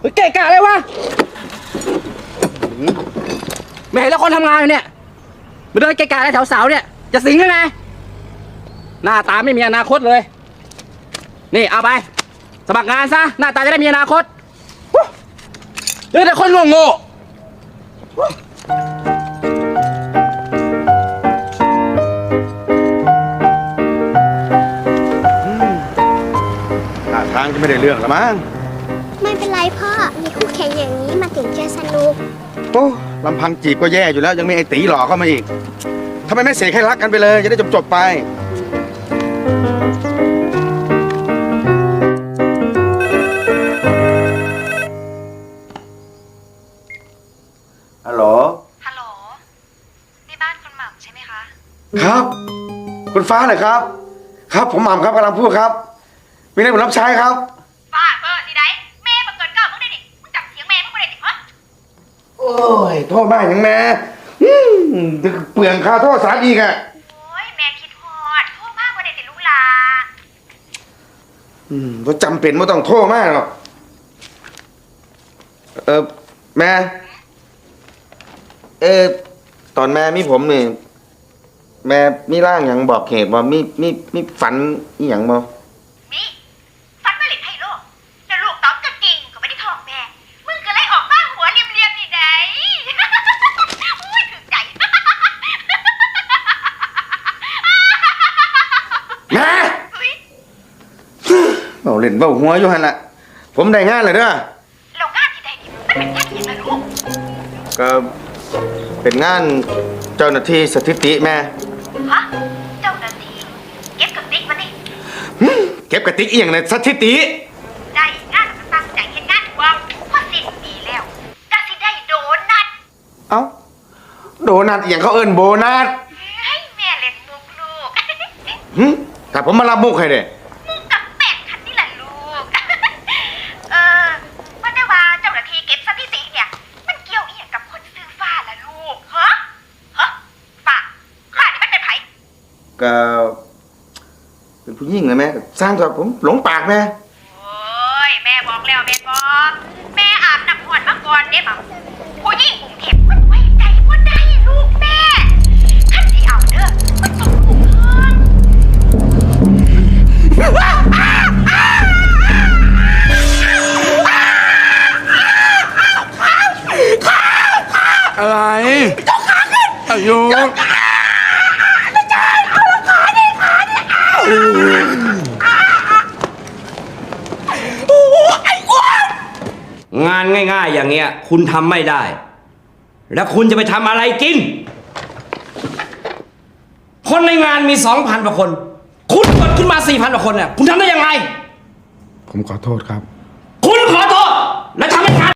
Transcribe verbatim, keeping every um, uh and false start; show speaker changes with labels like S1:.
S1: เกะกะเลยวะไม่เห็นแล้วคนทำงานอยู่เนี่ยมาเดินเกะกะอะไรแถวเสาเนี่ยจะสิงได้ไงหน้าตาไม่มีอนาคตเลยนี่เอาไปสมัครงานซะหน้าตาจะได้มีอนาคตเจอแต่คนโง่
S2: ท่าทางจะไม่ได้เรื่องละมั้ง
S3: ไม่เป็นไรพ่อ มีคู่แข่งอย่างนี้มาถึงจะสนุก
S2: โอ้ลำพังจีบก็แย่อยู่แล้วยังมีไอ้ตีหลอกเข้ามาอีกทำไมไม่เสกให้รักกันไปเลยจะได้จบจบไปฮัลโหล
S4: ฮัลโหลนี่บ้านคุณหม่ำใช่ไหมคะ
S2: ครับคุณฟ้าเหรอครับครับผมหม่ำครับกำลังพูดครับมีอะไรผมรับใช้ครับ
S4: ฟ้าเบอร์สิได้แม่มาเกิดเก่ามึงได้ดิมึงจับเสียงแม่มึงไม่ได้ดิฮะ
S2: โอ้ยโทษมากอย่างแม่เปลืองค่าโทษสารอีกอะ
S4: โอ้ยแม่คิดฮอดโทษมากกว่าเด็กติลูกหลา
S2: อืมก็จำเป็นไม่ต้องโทษมากหรอกเออแม่เออตอนแม่มีผมนี่แม่มีร่างอย่างบอกเหตุว่ามีมีมีฝันอีหยังบ่
S4: มีฟันไม่หลินให้ลูกแล้วลูกตอบก็จริงก็ไม่ได้ท้องแม่มึงก็เลยออกบ้างหัวเรียมๆนี่ไดอุ้ยถึงใจ
S2: แม่เอาเล่นเบ้าหัวอยู่หันละผมได้งานเลยเด้อ
S4: เรางานที่ใดดิมันเป็นงานอย่างไรลูก
S2: ก็เป็นงานเจ้าหน้าที่สถิติแม่
S4: ฮะเจ้าหน้าที่เก็บกระติกมาดิ
S2: เก็บกระติกอีหยังในสถิติ
S4: ได้งานมันตั้งใจเห็นงานว่าพอสิ้นปีแล้วก็สิได้โดนัท
S2: เอ้าโดนัทอีหยังเขาเอิ้นโบนัส
S4: ให้แม่เล่นมุกลูก
S2: หึแต่ผมมารับมุกให้เด้
S4: มุกกับแปะคันนี่แหละลูกเออว่าได้ว่าเจ้าหน้าที่เก็บสถิติเนี่ยมันเกี่ยวอีหยังกับคนซื้อฟ้าล่ะลูกฮะฮะฟ้าฟ้านี่มันเป็นไผ
S2: ก็เป็นผู้หญิงนะแม่สร้างกับผมหลงปากแม่
S4: โอ้ยแม่บอกแล้วแม่บอกแม่อาบน้ำหอนมาก่อนเด้บ่ผู้หญิงกรุงเทพมันไว้ใจบ่ได้ลูกแม่คันสิเอาเด้อมันต้องลูกเพิ่น
S1: อะไรอายุ
S5: งานง่ายๆอย่างเงี้ยคุณทำไม่ได้แล้วคุณจะไปทำอะไรกินคนในงานมีสองพันกว่าคนคุณกดขึ้นมาสี่พันกว่าคนเนี่ยคุณทำได้ยังไง
S2: ผมขอโทษครับ
S5: คุณขอโทษแล้วทำให้งาน